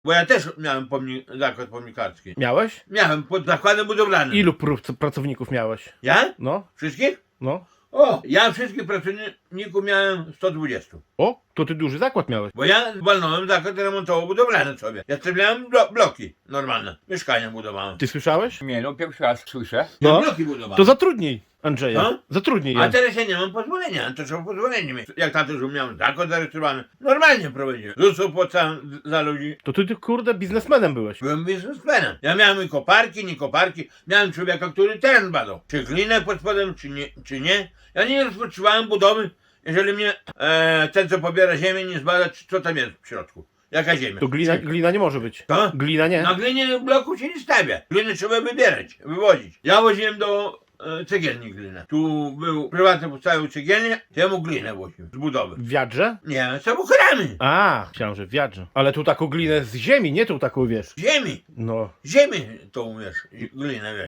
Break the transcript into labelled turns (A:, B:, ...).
A: Bo ja też miałem zakład pomnikarski.
B: Miałeś?
A: Miałem pod zakładem budowlanym.
B: Ilu pracowników miałeś?
A: Ja?
B: No,
A: Wszystkich?
B: no.
A: O, ja wszystkich pracowników miałem 120.
B: O, to ty duży zakład miałeś.
A: Bo ja walnąłem zakład remontowo-budowlany sobie. Ja stawiałem bloki normalne. Mieszkania budowałem.
B: Ty słyszałeś?
C: Nie, no pierwszy raz słyszę.
A: Ja
B: No.
A: bloki budowałem.
B: To zatrudnij Andrzeja.
A: No.
B: Zatrudnij
A: A
B: ja.
A: teraz ja nie mam pozwolenia, to trzeba pozwolenie mieć. Jak tato, że miałem zakład zarejestrowany, normalnie prowadziłem. ZUS opłacałem za ludzi.
B: To ty kurde biznesmenem byłeś.
A: Byłem biznesmenem. Ja miałem i koparki, nie koparki. Miałem człowieka, który teren badał. Czy glinę pod spodem, czy nie. Ja nie rozpoczynałem budowy, jeżeli mnie ten, co pobiera ziemię, nie zbada, co tam jest w środku. Jaka ziemia.
B: To glina nie może być.
A: To?
B: Glina nie.
A: Na glinie bloku się nie stawia. Glinę trzeba wybierać, wywozić. Ja woziłem do cegielni glinę. Tu był prywatny postawił cegielnię, to ja mu glinę woziłem z budowy.
B: W wiadrze?
A: Nie, samochodami.
B: A, myślałem, że w wiadrze. Ale tu taką glinę z ziemi, nie tu taką, wiesz.
A: Ziemi.
B: No.
A: Ziemi to umiesz, glinę wiesz.